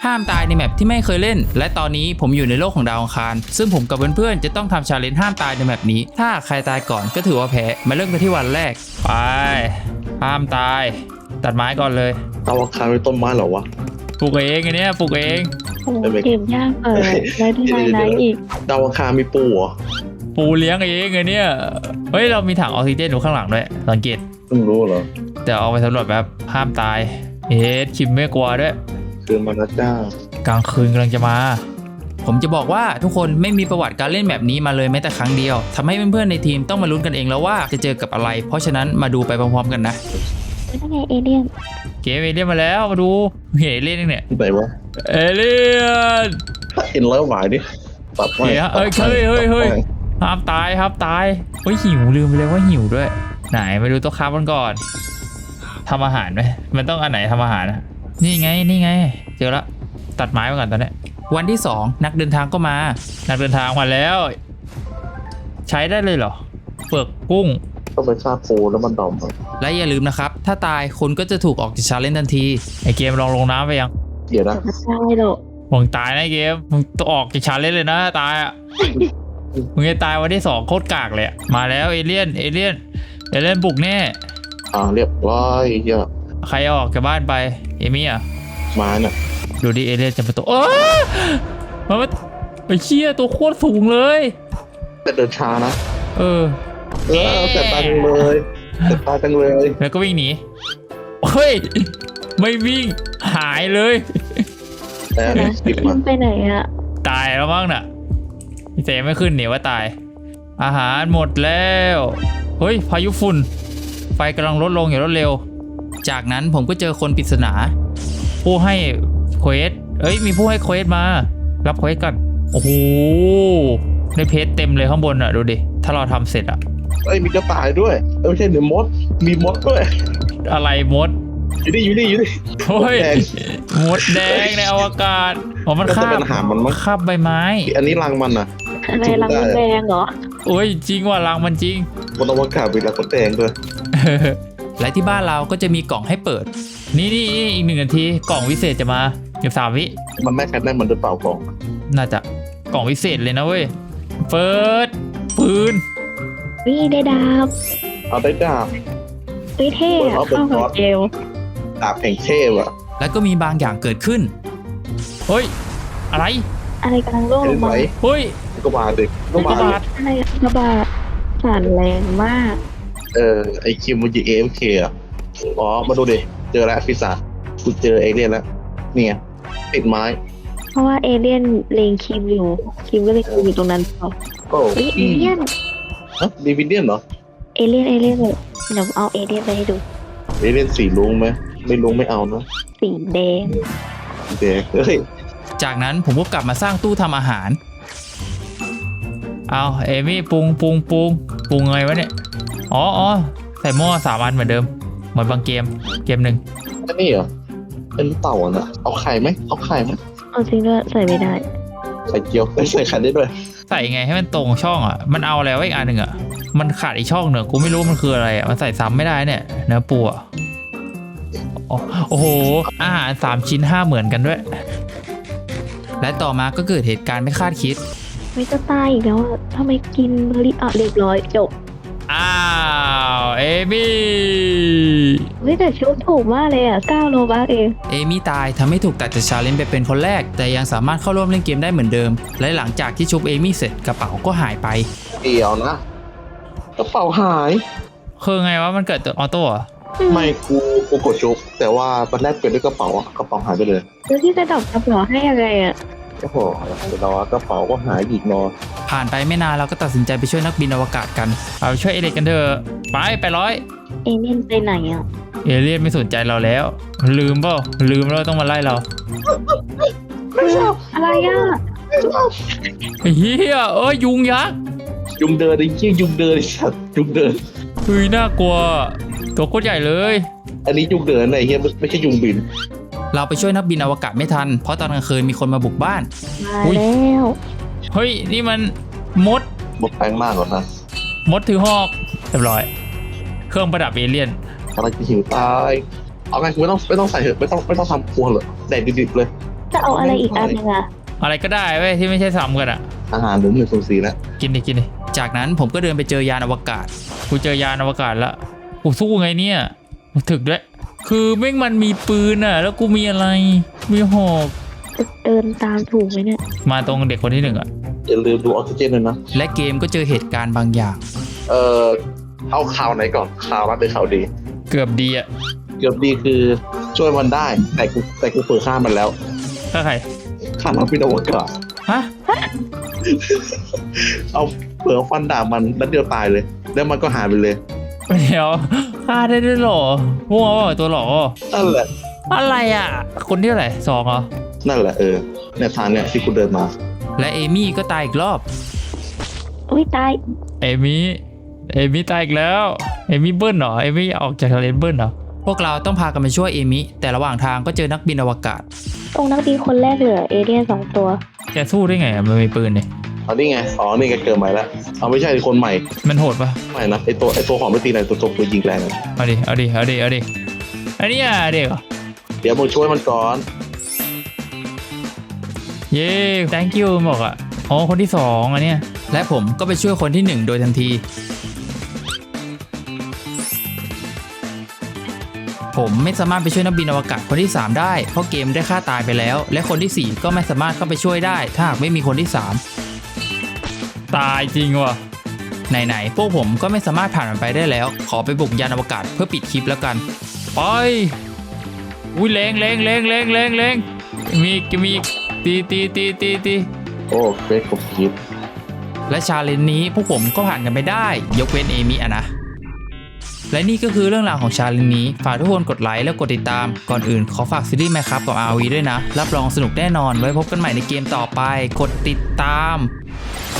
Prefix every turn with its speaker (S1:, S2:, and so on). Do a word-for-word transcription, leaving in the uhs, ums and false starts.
S1: ห้ามตายในแมปที่ไม่เคยเล่นและตอนนี้ผมอยู่ในโลกของดาวอังคารซึ่งผมกับเพื่อนๆจะต้องทำชาเลนจ์ห้ามตายในแมปนี้ถ้าใครตายก่อนก็ถือว่าแพ้มาเริ่มกันที่วันแรกไปห้ามตายตัดไม้ก่อนเลย
S2: ดาวอังคารเป็นต้นไม้เหรอวะ
S1: ปลูกเองไงเนี่ยปลูกเอง
S3: โอ้เกมยากเออได้ที่ไหนไหนอีก
S2: ดาวอังคารมีปูเหรอ
S1: ปูเลี้ยงเองไงเนี่ยเฮ้ยเรามีถังออกซิเจนอยู่ข้างหลังด้วยสังเกต
S2: เพิ่งรู้เหรอ
S1: เดี๋ยวเอาไปสำรวจแบบห้ามตายเอ๊ะคิมไม่กลัวด้วย
S2: คืนมาแล้วจ้าก
S1: ลางคืนกำลังจะมา ผมจะบอกว่าทุกคนไม่มีประวัติการเล่นแบบนี้มาเลยแม้แต่ครั้งเดียวทำให้เพื่อนๆในทีมต้องมาลุ้นกันเองแล้วว่าจะเจอกับอะไร เพราะฉะนั้นมาดูไปพร้อมๆกันนะ
S3: ไม่ได้ไงเอเลี่ยน
S1: เกมเอเลี่ยนมาแล้วมาดูเฮ้ยเอเลี่ยนเนี่ย
S2: ที่ไหนวะ
S1: เอเลี่ยน
S2: เห็นแล้วหวายดิตัดไม้
S1: เฮ้ยเอ้ยเฮ้ยเฮ้ยเฮ้ยห้ามตายห้ามตายเฮ้ยหิวลืมไปเลยว่าหิวด้วยไหนไปดูโต๊ะค้ามันก่อนทำอาหารไหมมันต้องอันไหนทำอาหารนะนี่ไงนี่ไงเจอละตัดไม้ไปก่อนตอนนี้วันที่สองนักเดินทางก็มานักเดินทางมาแล้ว ใช้ได้เลยเหรอเปลือกกุ้ง
S2: ต้องไปฆ่าปูแล้วมันดอมครับ
S1: และอย่าลืมนะครับถ้าตายคุณก็จะถูกออกจากชาเลนจ์ทันทีไอเกมลองลงน้ำไปยัง
S2: เดี๋ยวนะ
S3: ไม่ได้หรอก
S1: มึงตายนะไอ้เกมมึงต้องออกจากชาเลนจ์เลยนะตายอ่ะ มึงจะตายวันที่สองโคตรกากเลยอะมาแล้วเอเลี่ยนเอเลี่ยนเอเลี่ยนบุกแน่
S2: อ่าเรียบร้อยเหี้ย
S1: ใครออกจากบ้านไปเอมี่อ่ะ
S2: มาเนี่ย
S1: ดูดิเอเลี่ยนจะมาตัวโอ้มันมาไอ้เชี่ยตัวโคตรสูงเลย
S2: แต่เดินช้านะ
S1: เออ
S2: เออแต่ตายจังเลยแต่ตายจังเลย
S1: แล้วก็วิ่งหนีเฮ้ยไม่วิ่งหายเลย
S2: แต่
S3: นะ
S2: ติดมา
S3: มันไปไหนอะ
S1: ตายแล้วมั้งน่ะเสียไม่ขึ้นเนี่ยว่าตาย อาหารหมดแล้วเฮ้ยพายุฝุ่นไฟกำลังลดลงอย่างรวดเร็ว จากนั้นผมก็เจอคนปริศนา ผู้ให้เควสเอ้ยมีผู้ให้เควสมารับเควสกันโอ้โหได้เพชรเต็มเลยข้างบนอ่ะดูดิถ้าเราทำเสร็จอ่ะ
S2: เอ้ยมีกระต่ายด้วยเอ้ยไม่ใช่เดี๋ยวมดมีมดด้วย
S1: อะไรมด
S2: อยู่นี่อยู่นี่อยู่นี่
S1: โอ้ย
S2: แดง
S1: มดแดงในอวกาศอ๋อมัน
S2: น่า
S1: คา
S2: จะเป็
S1: บ
S2: นอาหารมันมั้ง
S1: คาบใบไม้
S2: อันนี้รังมันอ่ะ
S3: อะไรรังมดแดงเหรอ
S1: โอ้ยจริงว่ะรังมันจริง
S2: บนอวกาศมีรังมดแดงด้วย
S1: และที่บ้านเราก็จะมีกล่องให้เปิด นี่นี่นี่อีกหนึ่งนาทีกล่องวิเศษจะมาเก็บสามวิ
S2: มันแม่แค่ได้มันหรือเปล่ากล่อง
S1: น่าจะกล่องวิเศษเลยนะเว้ยเฟิร์สปืน
S3: วิ่ได้ดาบ
S2: เอาได้ดาบ
S3: วิเท่อะเข้ากับเกล
S2: ดาบแห่งเทพอ่ะ
S1: แล้วก็มีบางอย่างเกิดขึ้นเฮ้ยอะไร
S3: อะไรกำลังร่วงล
S2: เห็น
S3: ง
S2: ไหม
S3: มา
S1: เฮ้ย
S2: ก็บาดดิก็บาด
S1: กระบาด
S3: อะไรกระบะสั่นแรงมาก
S2: เออไอคิมมันจะเอฟเคอ่ะอ๋อมาดูดิเจอแล้วพิศาจกูเจอเอเลี่ยนแล้วเนี่ยติดไม้
S3: เพราะว่าเอเลี่ยนเลงคิมอยู่คิมก็เลยอยู่ตรงนั้นต่อ
S2: โอ้
S3: เฮ้ยเอเลี่ยน
S2: ฮะดีวิเดียนเหรอ
S3: เอเลี่ยนเอเลี่ยนเลยเดี๋ยวเอาเอเลี่ยนไปให้ดู
S2: เอเลี่ยนสีลุงไหมไม่ลุงไม่เอานะ
S3: สีแดง
S2: เด็กเฮ้ย
S1: จากนั้นผมก็กลับมาสร้างตู้ทำอาหารเอาเอมี่ปรุงปรุงปรุงปรุงไงวะเนี่ยอ๋ออ๋อใส่หม้อสามอันเหมือนเดิมเหมือนบางเกมเกมหนึ่ง
S2: อันนี้เหรอเป็นเต่าอ่ะนะเอาไข่ไหมเอาไข่ไหม
S3: เอาจริงด้วยใส่ไม่ได้
S2: ไข่เจียวไม่ใส่ไข่ได้ด้วย
S1: ใส่ไงให้มันตรงช่องอ่ะมันเอาแล้วอีกอันหนึ่งอ่ะมันขาดอีกช่องหนึ่งกูไม่รู้มันคืออะไรอ่ะมันใส่ซ้ำไม่ได้เนี่ยเนื้อปูอ่ะอ๋อโอ้โหอาหารสามชิ้นห้าเหมือนกันด้วย และต่อมาก็เกิดเหตุการณ์ไม่คาดคิด
S3: ไม่จะตายอีกแล้วอะทำไมกินเบอร์รี่อ่ะเรียบร้อยจบ
S1: อ้าวเอมี่
S3: เฮ้ยแต่ชุดถูกมากเลยอ่ะเก้าโลบักเอง
S1: เอมี่ตายทำให้ถูกตัดจากชาเลนจ์ไปเป็นคนแรก แต่ยังสามารถเข้าร่วมเล่นเกมได้เหมือนเดิม และหลังจากที่ชุบเอมี่เสร็จกระเป๋าก็หายไป
S2: เดี๋ยวนะกระเป๋าหาย
S1: คือไงวะมันเกิดตัวออโต้เหรอ
S2: ไม่กูกูกดชุบแต่ว่าตอนแรกเปลี่ยนด้วยกระเป๋าอ่ะกระเป๋าหายไปเลย
S3: แล้วที่จะดอกกระเป๋าให้อะไรอ่ะ
S2: โอ้โหเดี๋ยวรอกระเป๋าก็หายอีกเนอะ
S1: ผ่านไปไม่นานเราก็ตัดสินใจไปช่วยนักบินอวกาศกันเอาไปช่วยเอเล็กกันเถอะไปไปร้อย
S3: เอเลี่ยนไปไหนอ่ะ
S1: เอเลี่ยนไม่สนใจเราแล้ว ลืมเปล่าลืมแล้วต้องมาไล่เรา
S2: ไม่ชอบ
S3: อะไรอ่ะ
S2: ไม่ชอบ
S1: เฮียเอ้ยยุงยักษ์
S2: ยุงเดินไอ้เหี้ยยุงเดินไอ้สัตว์ยุงเดิน
S1: เฮ้ยน่ากลัวตัวโคตรใหญ่เลย
S2: อันนี้ยุงเดินไอ้เหี้ยไม่ใช่ยุงบิน
S1: เราไปช่วยนักบินอวกาศไม่ทันเพราะตอนกลางคืนมีคนมาบุกบ้าน
S3: มา
S1: อุ๊ย
S3: แล้ว
S1: เฮ้ยนี่มันมด
S2: บดแปลงมากกว่านะ
S1: มดถือหอกเรียบร้อย เครื่องประดับเอเลี่ยน
S2: อะไรจะหิวตายเอาไงกูไม่ต้องไม่ต้องใส่เถอะไม่ต้องไม่ต้องทำครัวเหรอแดดดิบๆเลย
S3: จะเอาอะไรอีกอันหนึงอะ
S1: อะไรก็ได้เว้ยที่ไม่ใช่ซ้ำกันอะ
S2: อาหารหนึ่งหนึ่งศูนย์สี่แล้ว
S1: กินดิกินดิจากนั้นผมก็เดินไปเจอยานอวกาศกูเจอยานอวกาศแล้วกูสู้ไงเนี่ยกูถึกด้วยคือแม่งมันมีปืนอะแล้วกูมีอะไรมีหอก
S3: เดินตามถูกไหมเนี่ย
S1: มาตรงเด็กคนที่หนึ่งอะ
S2: อย่าลืมดูออกซิเจนด้วยนะ
S1: และเกมก็เจอเหตุการณ์บางอย่าง
S2: เอ่อเอาข่าวไหนก่อนข่าวร้ายหรือข่าวดี
S1: เกือบดีอะ
S2: เกือบดีคือช่วยมันได้แต่กูแต่กูเปิดฆ่ามันแล้ว
S1: ถ้าใคร
S2: ฆ่าน้องพี่นวกาศ
S1: ฮะ
S2: เอาเปิดฟันดาบมันแล้วเดียวตายเลย แล้วมันก็หายไปเลย
S1: เดี๋ยวฆ่าได้ด้วยเหรอมั่วเปล่าตัวหรอ
S2: นั่นแหละ
S1: อะไรอะคนที่เท่าไหร่สองเหรอ
S2: นั่นแหละเออเนี่ยทางเนี่ยที่กูเดินมา
S1: และเอมี่ก็ตายอีกรอบ
S3: อุ้ยตาย
S1: เอมี่เอมี่ตายอีกแล้วเอมี่เบิ้ลเหรอเอมี่ออกจากทะเลเบิ้ลเหรอพวกเราต้องพากันไปช่วยเอมี่แต่ระหว่างทางก็เจอนักบินอวกาศ
S3: ตรงนักบินคนแรกเหลือเอเลี่ยนสองตัว
S1: แกสู้ได้ไงอะมันมีปืนเนี่ย
S2: อ๋อนี่ไงอ๋อนี่ไงเกิดใหม่แล้วเอาไม่ใช่คนใหม่
S1: มันโหดปะ
S2: ใหม่นะไอตัวไอตัวของไม่ตีไหนตัวตัวปืนยิงแรงอะ
S1: เอาดิเอาดิเอาดิเอาดิอันนี้อ่ะเด็กเหรอ
S2: เดี๋ยวมึงช่วยมันก่อน
S1: เย้ thank you บอกอ่ะอ๋อคนที่สองอันเนี้ยและผมก็ไปช่วยคนที่หนึ่งโดยทันที ผมไม่สามารถไปช่วยนักบินอวกาศคนที่สามได้เพราะเกมได้ฆ่าตายไปแล้ว และคนที่สี่ก็ไม่สามารถเข้าไปช่วยได้ถ้าหากไม่มีคนที่สามตายจริงว่ะไหนๆพวกผมก็ไม่สามารถผ่านมันไปได้แล้ว ขอไปบุกยานอวกาศเพื่อปิดคลิปแล้วกันไปอุ้ยแรงแรงแรงแรงแรงแรงมีมีตีตีตีตีตี
S2: โอ้เฟซผมคิด
S1: และชาเลนจ์นี้พวกผมก็ผ่านกันไปได้ยกเว้นเอมิอะนะและนี่ก็คือเรื่องราวของชาเลนจ์นี้ฝากทุกคนกดไลค์และกดติดตามก่อนอื่นขอฝากซีรีส์ Minecraft กับ อาร์ วี ด้วยนะรับรองสนุกแน่นอนไว้พบกันใหม่ในเกมต่อไปกดติดตาม